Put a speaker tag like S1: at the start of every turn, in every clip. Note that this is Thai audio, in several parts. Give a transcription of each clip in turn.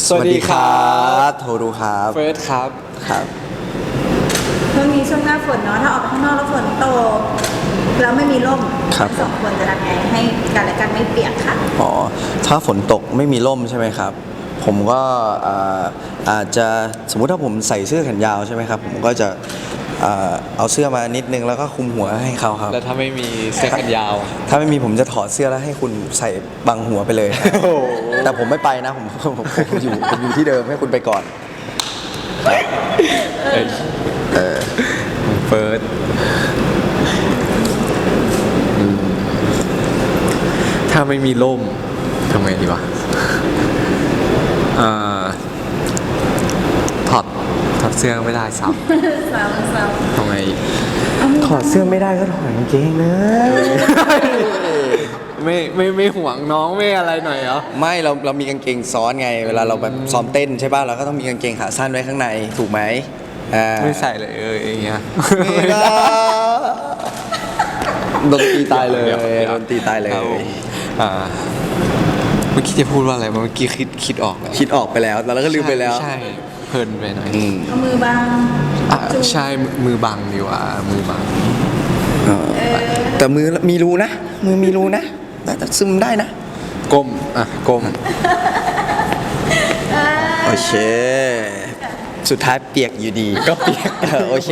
S1: สวัสดีครับโทรูครับ
S2: เฟิร์สครับ
S1: ครับ
S3: ช่วงนี้ช่วงหน้าฝนเนาะถ้าออกไปข้างนอกแล้วฝนตกแล้วไม่มีร่มทั้งสองคนจะทำไงให้กันและกันไม่เปียกค่ะ
S1: อ๋อถ้าฝนตกไม่มีร่มใช่ไหมครับผมก็อาจจะสมมุติถ้าผมใส่เสื้อแขนยาวใช่ไหมครับผมก็จะเอาเสื้อมานิดนึงแล้วก็คลุมหัวให้เขาครับ
S2: แล้วถ้าไม่มีเสื้อแขนยาว
S1: ถ้าไม่มีผมจะถอดเสื้อแล้วให้คุณใส่บังหัวไปเลยแต่ผมไม่ไปนะผมอยู่ที่เดิมให้คุณไปก่อน
S2: เฟิร์สถ้าไม่มีร่มทำไงดีวะถอดเสื้อไม่ได้ซ้ำทำไง
S1: ถอดเสื้อไม่ได้ก็ถอดกางเกงนะ
S2: ไม่ห่วงน้องไม่อะไรหน่อยเหรอ
S1: ไม่เรามีกางเกงซ้อนไงเวลาเราแบบซ้อมเต้นใช่ป่ะเราก็ต้องมีกางเกงขาสั้นไว้ข้างในถูกไหม
S2: ไม่ใส่เลยอย่างเงี้ย
S1: ไม่ได้โดนตีตายเลยโดนตีตายเลย
S2: เมื่อกี้จะพูดว่าอะไรเมื่อกี้คิดออกแล้ว
S1: คิดออกไปแล้วแล้วก็ลืมไปแล้ว
S2: ใช่เพลินไปหน่อย
S3: เอามือบัง
S2: ใช่มือบังดีกว่ามือบัง
S1: แต่มือมีรูนะมือมีรูนะแต่ซึมได้นะ
S2: ก้มก้ม
S1: โอเคสุดท้ายเปียกอยู่ดี
S2: ก็เปียก
S1: โอเค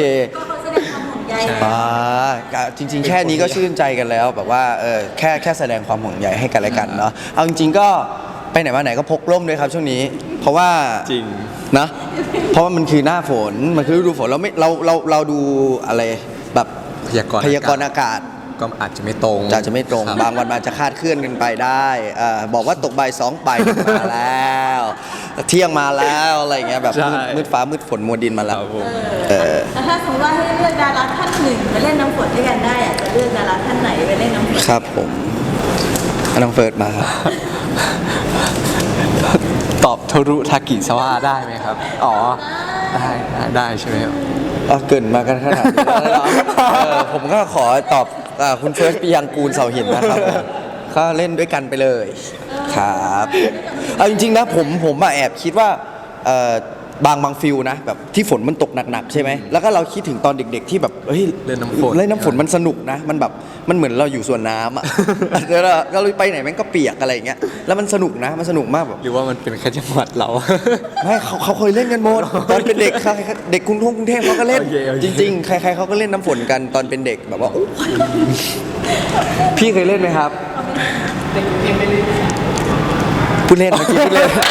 S1: จริงๆแค่นี้ก็ชื่นใจกันแล้วแบบว่าแค่แสดงความห่วงใยให้กันและกันเนาะเอาจริงๆก็ไปไหนมาไหนก็พกร่มด้วยครับช่วงนี้เพราะว่า
S2: จริง
S1: นะเพราะว่ามันคือหน้าฝนมันคือฤดูฝนเราดูอะไรแบบพยากรณ์อากาศ
S2: ก็อาจจะไม่ตรง
S1: บางวันมันจะคาดเคลื่อนกันไปได้บอกว่าตกบ่าย2บ่ายมาแล้วเที่ยงมาแล้วอะไรเงี้ยแบบมืดฟ้ามืดฝนมัวดินมาแล้ว
S3: แต่ถ้าสมมติว่าให้เลือกดาราท่านหนึ่งไปเล่นน้ำฝนด้วยกันได้จะเลือกดาราท่านไหนไปเล่นน้ำฝน
S1: ครับผมน้องเฟิร์สมา
S2: ตอบโทรุทากิซาวะได้ไหมครับอ๋อได้ใช่ไหมครับ
S1: เกินมากันขนาดนี้แล้วผมก็ขอตอบคุณเฟิร์สปียังกูลเสาหินนะครับก็เล่นด้วยกันไปเลยครับเอาจริงๆนะผมแอบคิดว่าบางฟิลนะแบบที่ฝนมันตกหนักๆใช่ไหมแล้วก็เราคิดถึงตอนเด็กๆที่แบบเฮ้ย
S2: เล่นน้
S1: ำฝนมันสนุกนะมันแบบมันเหมือนเราอยู่สวนน้ำอ่ะแล้วเราไปไหนแม่งก็เปียกอะไรอย่างเงี้ยแล้วมันสนุกนะมันสนุกมากแบบ
S2: หรือว่ามันเป็นแค่จังหวัดเรา
S1: ไม่เขาเคยเล่นกันหมดตอนเป็นเด็กเด็กกรุงเทพเขาก็เล่นจริงๆใครๆเขาก็เล่นน้ำฝนกันตอนเป็นเด็กแบบว่าพี่เคยเล่นไหมครับพูดเล่นเมื่อกี้พูดเล่นครับ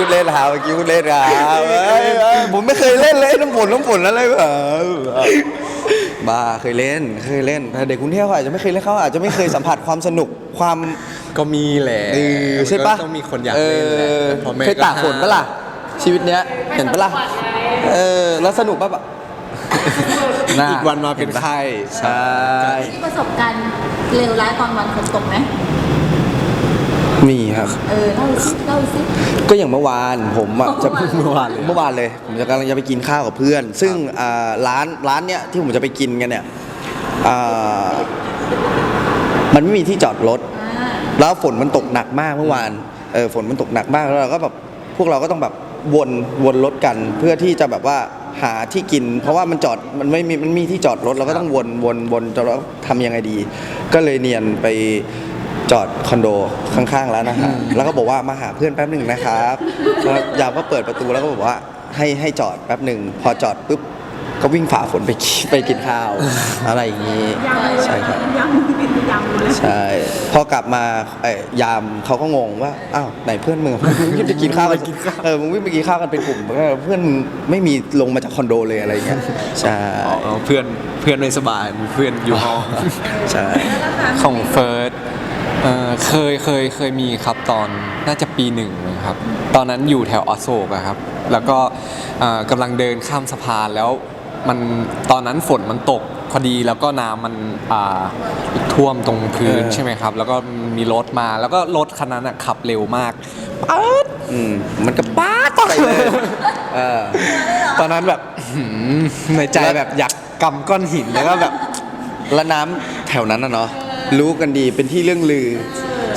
S1: ผมไม่เคยเล่นเลยน้ำฝนอะไรแบบบ้าเคยเล่นแต่เด็กกรุงเทพเขาอาจจะไม่เคยเล่นเขาอาจจะไม่เคยสัมผัสความสนุกความ
S2: ก็มีแหละ
S1: ใช่ปะ
S2: ต้องมีคนอยากเล่นแหละ
S1: เคยตากฝนปะล่ะชีวิตเนี้ยเห็นปะล่ะแล้วสนุกปะ
S2: อีกวันมาเป็นไข้
S1: ใช่
S3: ที่ประสบการณ์เลวร้ายตอนวันฝนตกไหม
S1: มีครับ
S3: เล่าสิ
S1: ก็อย่างเมื่อวานผมจะเมื่อวานเลยผมจะกำลังจะไปกินข้าวกับเพื่อนซึ่งร้านเนี้ยที่ผมจะไปกินกันเนี่ยมันไม่มีที่จอดรถแล้วฝนมันตกหนักมากเมื่อวานฝนมันตกหนักมากแล้วเราก็แบบพวกเราก็ต้องแบบวนรถกันเพื่อที่จะแบบว่าหาที่กินเพราะว่ามันมีที่จอดรถเราก็ต้องวนจะทำยังไงดีก็เลยเนียนไปจอดคอนโดข้างๆแล้วนะฮะแล้วก็บอกว่ามาหาเพื่อนแป๊บหนึ่งนะครับแล้วยามก็เปิดประตูแล้วก็บอกว่าให้จอดแป๊บหนึ่งพอจอดปุ๊บก็วิ่งฝ่าฝนไปกินข้าวอะไรอย่างนี้ใช่ครับใช่พอกลับมายามเขาก็งงว่าอ้าวไหนเพื่อนมึงวิ่งไปกินข้าวกันมึงวิ่งไปกินข้าวกันเป็นกลุ่มเพื่อนมึงไม่มีลงมาจากคอนโดเลยอะไรอย่างเงี้ยใช่
S2: เพื่อนไม่สบายเพื่อนอยู่ห้อง
S1: ใช่
S2: ของเฟิร์สเคยมีครับตอนน่าจะปี1นะครับตอนนั้นอยู่แถวอโศกครับแล้วก็กำลังเดินข้ามสะพานแล้วมันตอนนั้นฝนมันตกพอดีแล้วก็น้ำมันท่วมตรงพื้นใช่ไหมครับแล้วก็มีรถมาแล้วก็รถคันนั้นขับเร็วมาก
S1: มันก็ป๊าดไปเลย
S2: ตอนนั้นแบบในใจแบบอยากกำก้อนหินแล้วก็แบบ
S1: แล้วน้ำแถวนั้นนะเนาะรู้กันดีเป็นที่เรื่องลือ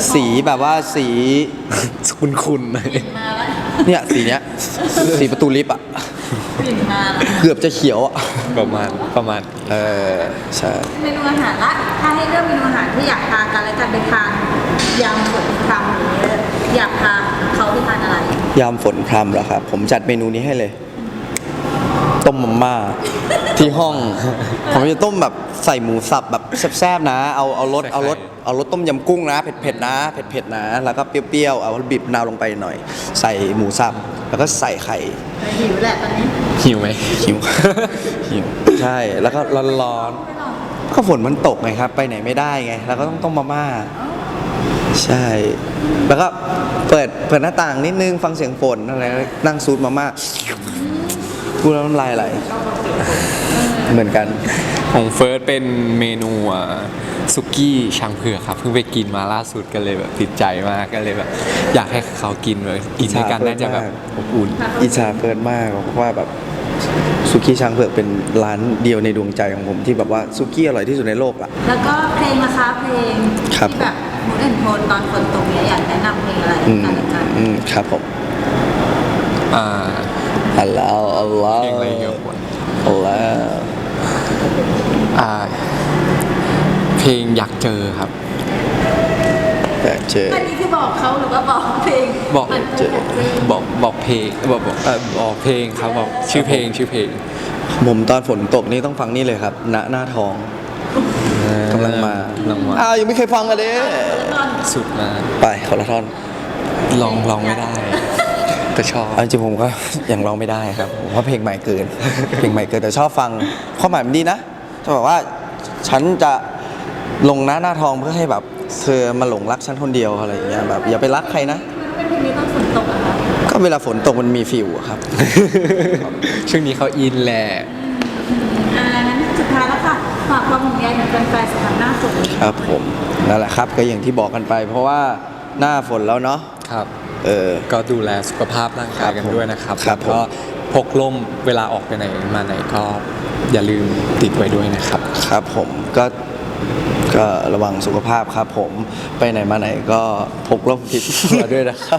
S1: สีแบบว่าสี
S2: คุณๆหน่อย
S3: มาแล้ว
S1: เนี่ยสีเนี้ยสีประตูลิฟต์อ่ะ
S3: กลิ่นมาแล้ว
S1: เกือบจะเขียวอ่ะ
S2: ประมาณ
S1: เออใช่
S3: เมนูอาหารละถ้าให้เลือกเมนูอาหารที่อยากพากันและกันไปทานยำฝนพรำหรืออยากพาเขาไปทานอะไร
S1: ยามฝนพรำเหรอครับ ผมจัดเมนูนี้ให้เลย ต้มมาม่าที่ห้อง ผมจะต้มแบบใส่หมูสับแบบแซ่บๆนะ เอารสต้มยำกุ้งนะ เผ็ดๆนะเผ็ดๆนะ แล้วก็เปรี้ยวๆเอาบีบมะนาวลงไปหน่อย ใส่หมูสับแล้วก็ใส่ไข่
S3: หิวแหละตอนนี้
S2: หิวไหม
S1: หิว หิวใช่แล้วก็ร้อนๆก็ฝนมันตกไงครับ ไปไหนไม่ได้ไงแล้วก็ต้องต้มมาม่าใช่ แล้วก็เปิดหน้าต่างนิดนึงฟังเสียงฝนอะไรนั่งซูดมาม่าพูดแล้วน้ำลายไหลเหมือนกัน
S2: ของเฟิร์สเป็นเมนูสุกี้ช่างเผือกครับเพิ่งไปกินมาล่าสุดก็เลยแบบติดใจมากก็เลยแบบอยากให้เขากินเลยกินด้วยกันน่าจะแบบอบอุ่น
S1: อิจฉาเฟิร์นมากเพราะว่าแบบสุกี้ช้างเผือกเป็นร้านเดียวในดวงใจของผมที่แบบว่าสุกี้อร่อยที่สุดในโลกอะ
S3: แล้วก็เพลงนะคะเพลง
S1: ครับ
S3: ที่แบบมูดแอนโทนตอนฝนตกเนี่ยอยากแนะนำเพลงอะไร
S1: อืม
S3: กันและกัน
S1: ครับผม
S2: อ่า
S1: อัลลอฮ์อัลลอฮ์
S2: เพลงอะไรเกี่ยวกับ
S1: อัลลอฮ์
S2: อ่าเพลงอยากเจอครับ
S1: อยากเจอ
S3: อันนี้คือบอกเขาหรือว่าบอกเพลง
S2: บอก
S3: มัน
S1: เจอ
S2: บอกเพลงบอกเพลงครับบอกชื่อเพลง
S1: ผมตอนฝนตกนี่ต้องฟังนี่เลยครับณหน้าทองกำลังมา อ้าวยังไม่เคยฟังกันเลย
S2: สุดมา
S1: ไปคนละท่อน
S2: ลองไม่ได้ แต่ชอบ
S1: เอาจริงๆผมก็ ยังร้องไม่ได้ครับผมว่าเพลงใหม่เกิน เพลงใหม่เกินแต่ชอบฟังความหมายมันดีนะจะบอกว่าฉันจะลงหน้าทองเพื่อให้แบบเธอมาหลงรักฉันคนเดียวอะไรอย่างเงี้ยแบบอย่าไปรักใครนะ
S3: เป็นเพลงนี้ตอนฝนตกอะคะ
S1: ก็เวลาฝนตกมันมีฟิลอะครับ
S2: ช่วงนี้เขาอินแหละ
S3: งั้นสุดท้ายแล้วค่ะฝากความห่วงใยถึงแฟนๆสำหรับหน้าฝนนี้
S1: ครับผมนั่นแหละครับก็อย่างที่บอกกันไป เพราะว่าหน้าฝนแล้วเนาะ
S2: ครับ
S1: เออ
S2: ก็ดูแลสุขภาพร่างกายกันด้วยนะครับ
S1: ครับ
S2: แล้วก็พกร่มเวลาออกไปไหนมาไหนก็อย่าลืมติดไว้ด้วยนะครับ
S1: ครับผมก็ระวังสุขภาพครับผมไปไหนมาไหนก็พกร่มติดตัวด้วยนะครับ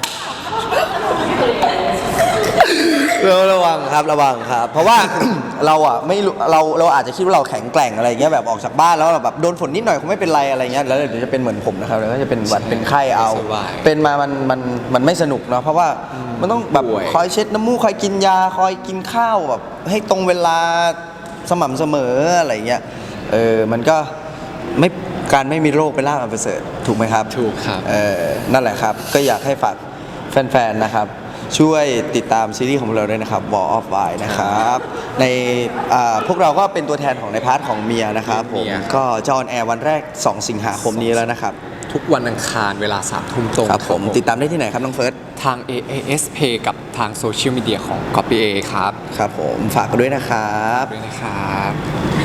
S1: ระวังครับระวังครับ เพราะว่า เราอ่ะไม่รู้เราอาจจะคิดว่าเราแข็งแกร่งอะไรเงี้ยแบบออกจากบ้านแล้วเราแบบโดนฝนนิดหน่อยคงไม่เป็นไรอะไรเงี้ยแล้วเดี๋ยวจะเป็นเหมือนผมนะครับแล้วก็จะเป็นหวัดเป็นไข้เอา
S2: สบาย
S1: เป็นมามันไม่สนุกเนาะเพราะว่ามันต้องแบบ
S2: ป่วย
S1: คอยเช็ดน้ำมูกคอยกินยาคอยกินข้าวแบบให้ตรงเวลาสม่ำเสมออะไรเงี้ยมันก็ไม่การไม่มีโรคเป็นลาภอันประเสริฐถูกไหมครับ
S2: ถูกครับ
S1: นั่นแหละครับ ก็อยากให้ฝากแฟนๆ นะครับ ช่วยติดตามซีรีส์ของเราด้วยนะครับ Wall of Wine นะครับ ในพวกเราก็เป็นตัวแทนของในพาร์ทของเมียนะครับผม
S2: เมีย
S1: ก็จะออนแอร์วันแรก 2 สิงหาคมนี้แล้วนะครับ
S2: ทุกวันอังคารเวลา3 ทุ่มตรง
S1: ครับผมติดตามได้ที่ไหนครับน้องเฟิร์ส
S2: ทาง AAS Pay กับทางโซเชียลมีเดียของ Copy A ครับ
S1: ครับผมฝากกันด้วยนะครับ
S2: ด้วยนะครับ